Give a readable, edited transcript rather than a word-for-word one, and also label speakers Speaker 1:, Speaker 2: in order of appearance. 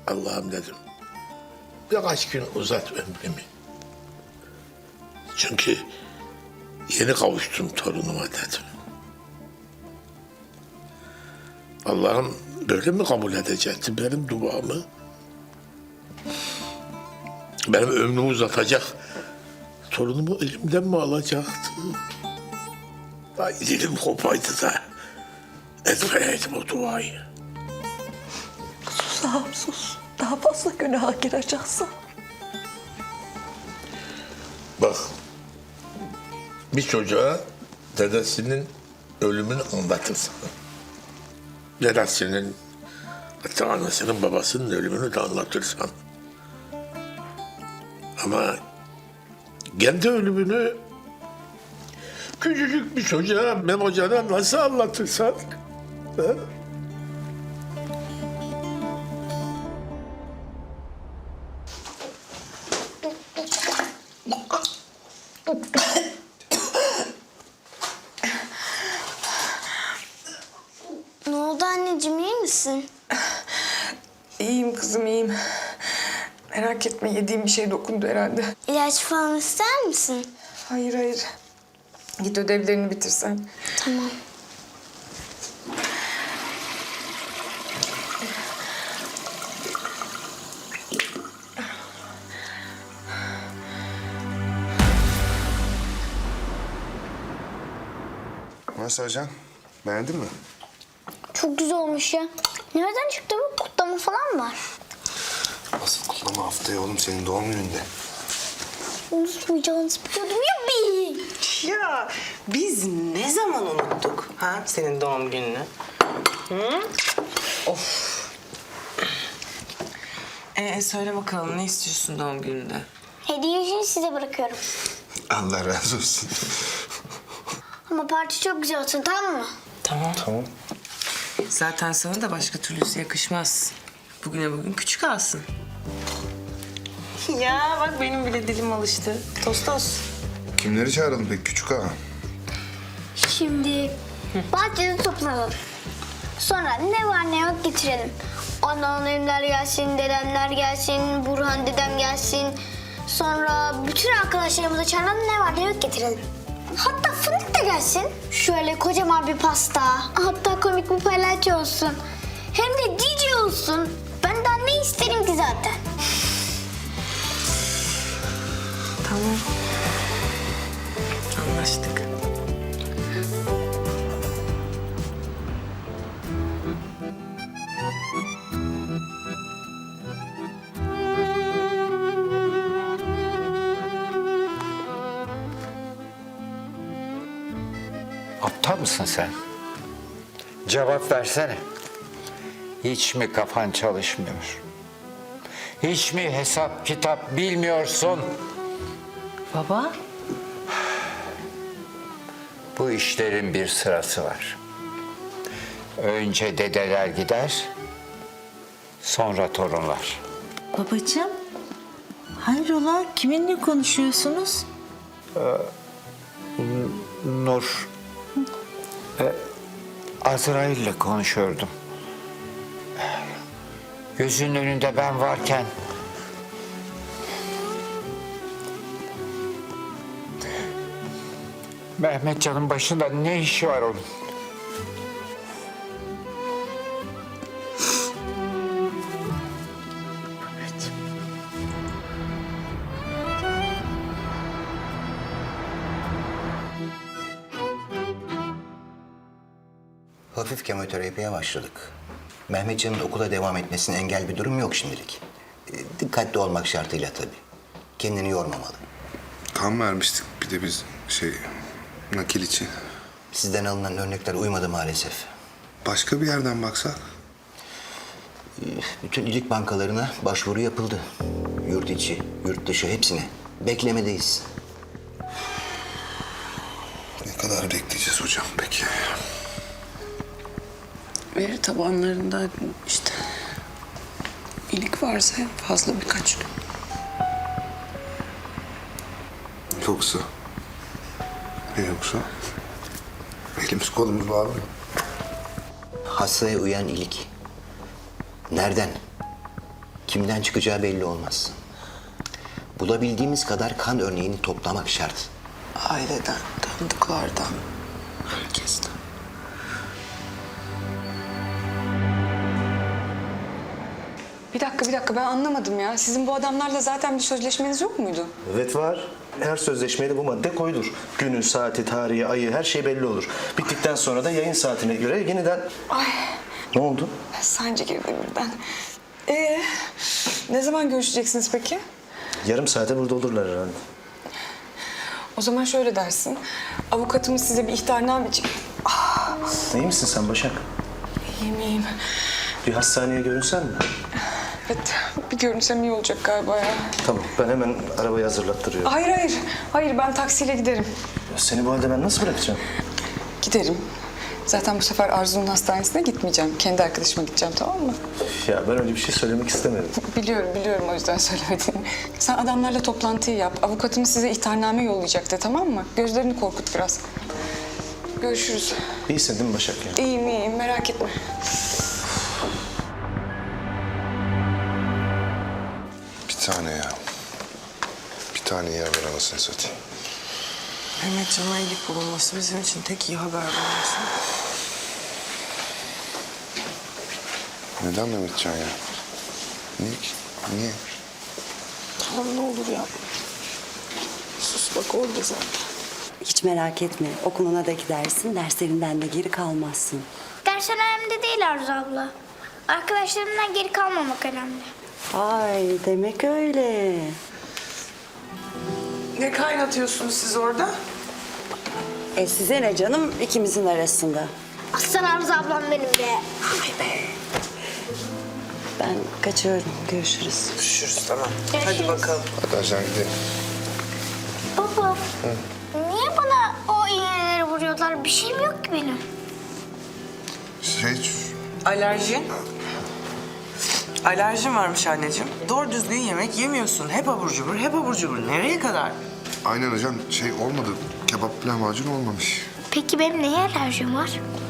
Speaker 1: Allah'ım dedim. Birkaç gün uzat ömrümü. Çünkü yeni kavuştum torunuma dedim. Allah'ım böyle mi kabul edecekti benim duamı? Benim ömrümü uzatacak, torunumu elimden mi alacaktı? Ay dilim kopaydı da etmeyeydim o duayı.
Speaker 2: Sus ağam sus. Daha fazla günaha gireceksin.
Speaker 1: Bak, bir çocuğa dedesinin ölümünü anlatırsın. Dedesinin, hatta anasının babasının ölümünü de anlatırsan. Ama kendi ölümünü küçücük bir çocuğa, Memo Can'a nasıl anlatırsan... Ha?
Speaker 3: Ne oldu anneciğim, iyi misin?
Speaker 2: İyiyim kızım iyiyim. Merak etme yediğim bir şey dokundu herhalde.
Speaker 3: İlaç falan ister misin?
Speaker 2: Hayır hayır. Git ödevlerini bitirsen.
Speaker 3: Tamam.
Speaker 4: Nasıl Ajan? Beğendin mi?
Speaker 3: Çok güzel olmuş ya. Nereden çıktı bu? Kutlama falan mı var?
Speaker 4: Asıl kutlama haftaya oğlum senin doğum gününde.
Speaker 3: Unutmayacağınızı biliyordum ya bir.
Speaker 5: Ya biz ne zaman unuttuk ha senin doğum gününü? Hı? Of. Söyle bakalım ne istiyorsun doğum gününde?
Speaker 3: Hediye işini size bırakıyorum.
Speaker 4: Allah razı olsun.
Speaker 3: Ama parti çok güzel olsun, tamam mı?
Speaker 5: Tamam.
Speaker 4: Tamam.
Speaker 5: Zaten sana da başka türlüsü yakışmaz. Bugüne bugün küçük alsın. Ya bak benim bile dilim alıştı. Tostos.
Speaker 4: Kimleri çağıralım peki küçük ağa?
Speaker 3: Şimdi bahçede toplanalım. Sonra ne var ne yok getirelim. Anneannemler gelsin, dedemler gelsin, Burhan dedem gelsin. Sonra bütün arkadaşlarımıza çağıralım, ne var ne yok getirelim. Hatta Fındık da gelsin. Şöyle kocaman bir pasta. Hatta komik bir palyaço olsun. Hem de DJ olsun. Ben daha ne isterim ki zaten.
Speaker 5: Tamam. Anlaştık.
Speaker 6: Aptal mısın sen? Cevap versene. Hiç mi kafan çalışmıyor? Hiç mi hesap kitap bilmiyorsun?
Speaker 5: Baba.
Speaker 6: Bu işlerin bir sırası var. Önce dedeler gider, sonra torunlar.
Speaker 7: Babacığım, hayrola? Kiminle konuşuyorsunuz?
Speaker 6: Nur, Azrail'le konuşuyordum. Gözünün önünde ben varken... Mehmetcan'ın başında ne işi var onun?
Speaker 8: Hafif kemoterapiye başladık. Mehmetcan'ın okula devam etmesine engel bir durum yok şimdilik. Dikkatli olmak şartıyla tabii. Kendini yormamalı.
Speaker 4: Kan vermiştik bir de biz nakil için.
Speaker 8: Sizden alınan örnekler uymadı maalesef.
Speaker 4: Başka bir yerden baksak?
Speaker 8: Bütün iyilik bankalarına başvuru yapıldı. Yurt içi, yurt dışı hepsine. Beklemedeyiz.
Speaker 4: Ne kadar bekleyeceğiz hocam peki?
Speaker 5: Veri tabanlarında işte iyilik varsa en fazla birkaç gün.
Speaker 4: Yoksa? Ne yoksa? Elimiz kolumuz var mı?
Speaker 8: Hastaya uyan iyilik. Nereden? Kimden çıkacağı belli olmaz. Bulabildiğimiz kadar kan örneğini toplamak şart.
Speaker 2: Aileden, tanıdıklardan, herkesten.
Speaker 9: Bir dakika ben anlamadım ya. Sizin bu adamlarla zaten bir sözleşmeniz yok muydu?
Speaker 10: Evet var. Her sözleşmeye de bu madde koyulur. Günü, saati, tarihi, ayı her şey belli olur. Bittikten sonra da yayın saatine göre yeniden...
Speaker 9: Ay
Speaker 10: Ne oldu?
Speaker 9: sancı girdi birden. Ne zaman görüşeceksiniz peki?
Speaker 10: Yarım saate burada olurlar herhalde.
Speaker 9: O zaman şöyle dersin. Avukatımız size bir ihtarname...
Speaker 10: İyi misin sen Başak?
Speaker 9: İyiyim.
Speaker 10: Bir hastaneye görünsen mi?
Speaker 9: Evet, bir görünsem iyi olacak galiba ya.
Speaker 10: Tamam, ben hemen arabayı hazırlattırıyorum.
Speaker 9: Hayır ben taksiyle giderim.
Speaker 10: Ya seni bu halde ben nasıl bırakacağım?
Speaker 9: Giderim. Zaten bu sefer Arzu'nun hastanesine gitmeyeceğim. Kendi arkadaşıma gideceğim, tamam mı?
Speaker 10: Ya ben öyle bir şey söylemek istemedim.
Speaker 9: Biliyorum o yüzden söylemedim. Sen adamlarla toplantıyı yap. Avukatımız size ihtarname yollayacaktı, tamam mı? Gözlerini korkut biraz. Görüşürüz.
Speaker 10: İyisin değil mi Başak ya?
Speaker 9: İyiyim merak etme.
Speaker 4: Bir tane ya. Bir tane ya ver anasını satayım.
Speaker 2: Mehmetcan'a iyilik bulunması bizim için tek iyi haber bulunması.
Speaker 4: Neden Mehmetcan ya? Niye ki? Niye?
Speaker 2: Tamam ne olur ya. Sus bak orada zaten.
Speaker 11: Hiç merak etme. Okuluna da gidersin, derslerinden de geri kalmazsın.
Speaker 3: Ders önemli değil Arzu abla. Arkadaşlarımdan geri kalmamak önemli.
Speaker 11: Ay demek öyle.
Speaker 2: Ne kaynatıyorsunuz siz orada?
Speaker 11: Size ne canım ikimizin arasında.
Speaker 3: Aslan Arzu ablam benim be.
Speaker 11: Ben kaçıyorum. Görüşürüz.
Speaker 2: Görüşürüz tamam.
Speaker 3: Görüşürüz.
Speaker 2: Hadi bakalım.
Speaker 4: Hadi ajan gidelim.
Speaker 3: Baba, niye bana o iğneleri vuruyorlar? Bir şeyim yok ki benim.
Speaker 2: Alerjin? Alerjin varmış anneciğim. Doğru düzgün yemek yemiyorsun. Hep abur cubur, hep abur cubur. Nereye kadar?
Speaker 4: Aynen hocam olmadı. Kebap lahmacun olmamış.
Speaker 3: Peki benim neye alerjim var?